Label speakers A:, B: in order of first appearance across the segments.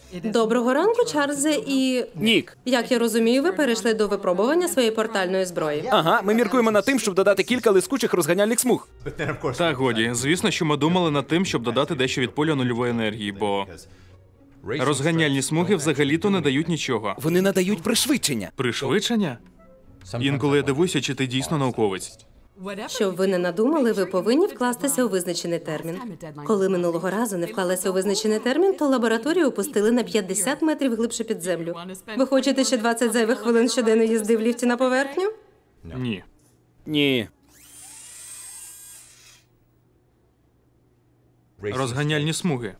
A: Доброго ранку, Чарльзе і...
B: Нік.
A: Як я розумію, ви перейшли до випробування своєї портальної зброї.
B: Ага, ми міркуємо над тим, щоб додати кілька лискучих розганяльних смуг.
C: Та годі, звісно, що ми думали над тим, щоб додати дещо від поля нульової енергії, бо розганяльні смуги взагалі-то не дають нічого.
B: Вони надають пришвидшення.
C: Пришвидшення? Інколи я дивуюся, чи ти дійсно науковець.
A: Щоб ви не надумали, ви повинні вкластися у визначений термін. Коли минулого разу не вклалися у визначений термін, то лабораторію опустили на 50 метрів глибше під землю. Ви хочете ще 20 зайвих хвилин щоденно їзди в ліфті на поверхню?
C: Ні.
B: Ні.
C: Розганяльні смуги.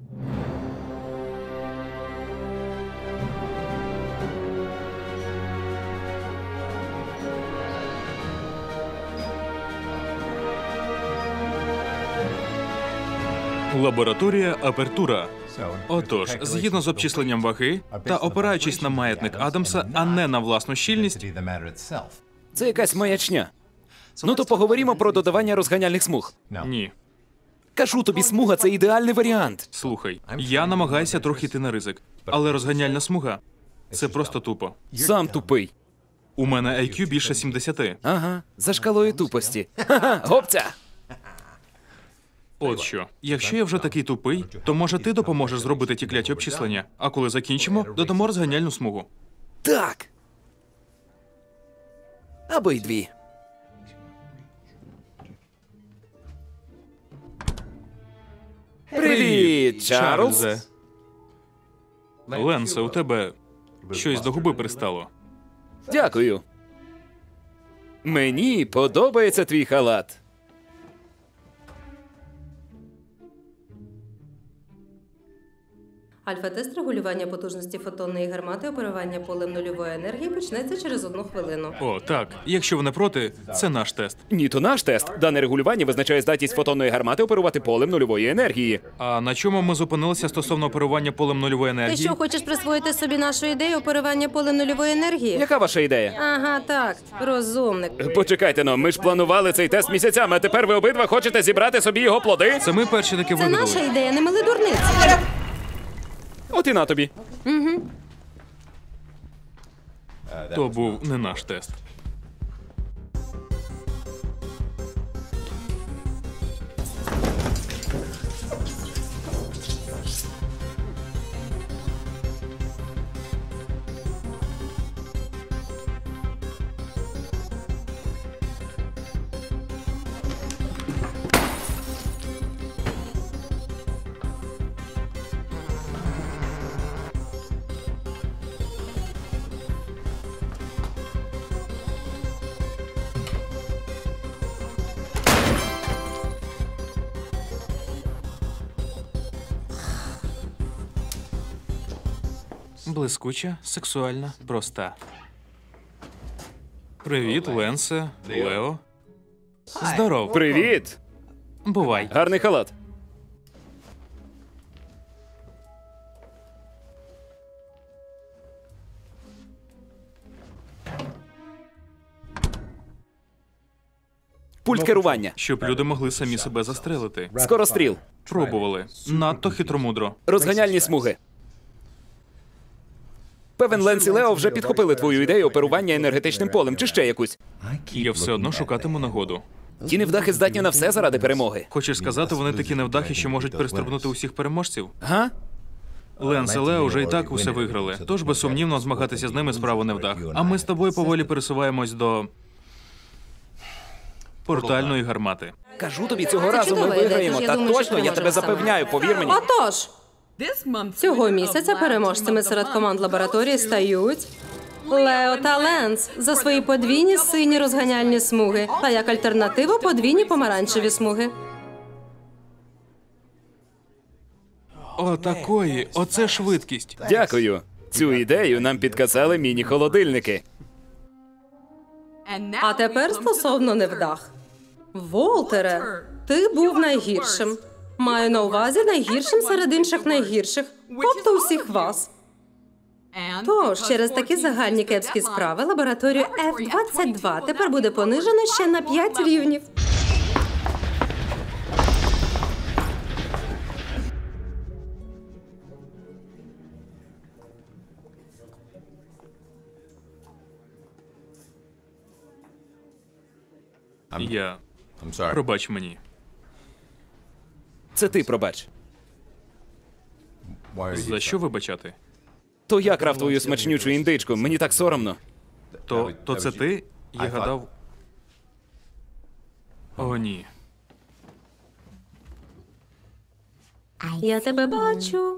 C: Лабораторія Апертура. Отож, згідно з обчисленням ваги та опираючись на маятник Адамса, а не на власну щільність,
B: Це якась маячня. Ну то поговоримо про додавання розганяльних смуг.
C: ні.
B: Кажу тобі, смуга – це ідеальний варіант.
C: Слухай, я намагаюся трохи йти на ризик, але розганяльна смуга – це просто тупо.
B: Сам тупий.
C: У мене IQ більше 70.
B: Ага, за шкалою тупості. Ха-ха, гопця!
C: От що, якщо я вже такий тупий, то може ти допоможеш зробити ті кляті обчислення, а коли закінчимо, додамо розганяльну смугу.
B: Так. Або й дві. Привіт, Чарльз.
C: Чарльзе. Ленсе, у тебе щось до губи пристало.
B: Дякую. Мені подобається твій халат.
A: Альфа-тест регулювання потужності фотонної гармати оперування полем нульової енергії почнеться через 1 хвилину.
C: О, так. Якщо ви не проти, це наш тест.
B: Ні, то наш тест. Дане регулювання визначає здатність фотонної гармати оперувати полем нульової енергії.
C: А на чому ми зупинилися стосовно оперування полем нульової
A: Ти
C: енергії?
A: що, хочеш присвоїти собі нашу ідею оперування полем нульової енергії?
B: Яка ваша ідея?
A: Ага, так, розумник.
B: Почекайте, но ми ж планували цей тест місяцями, а тепер ви обидва хочете зібрати собі його плоди?
C: Це ми перші таки
A: Це
C: вигадали.
A: наша ідея, не мили дурниці.
B: От і на тобі.
C: То був не наш тест. Блискуча, сексуальна, проста. Привіт, Ленсе, Лео. Здоров.
B: Привіт!
C: Бувай.
B: Гарний халат. Пульт керування.
C: Щоб люди могли самі себе застрелити.
B: Скоростріл.
C: Пробували. Надто хитромудро.
B: Розганяльні смуги. Певен, Ленс і Лео вже підхопили твою ідею оперування енергетичним полем, чи ще якусь.
C: Я все одно шукатиму нагоду.
B: Ті невдахи здатні на все заради перемоги.
C: Хочеш сказати, вони такі невдахи, що можуть перестрибнути усіх переможців?
B: Га?
C: Ленс і Лео вже і так усе виграли, тож безсумнівно змагатися з ними справа невдах. А ми з тобою поволі пересуваємось до портальної гармати.
B: Кажу тобі, цього разу ми
A: чудова ідея,
B: виграємо.
A: тож я
B: Так
A: думаю, що
B: точно, я тебе
A: переможемо саме.
B: запевняю, повір мені.
A: Отож, цього місяця переможцями серед команд лабораторії стають Лео та Ленс за свої подвійні сині розганяльні смуги, а як альтернативу подвійні помаранчеві смуги.
C: О, такої, оце швидкість.
B: Дякую. Цю ідею нам підказали міні-холодильники.
A: А тепер стосовно невдах. Волтере, ти був найгіршим. Маю на увазі найгіршим серед інших найгірших, тобто усіх вас. Тож, через такі загальні кепські справи лабораторію F-22 тепер буде понижено ще на 5 рівнів.
C: Я... Пробач мені.
B: Це ти пробач.
C: За що вибачати?
B: То я крав твою смачнючу індичку, мені так соромно.
C: То це ти? Я гадав... О, ні.
A: Я тебе бачу.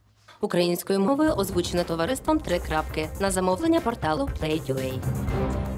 A: Українською мовою озвучено товариством «Три крапки» на замовлення порталу Play.ua.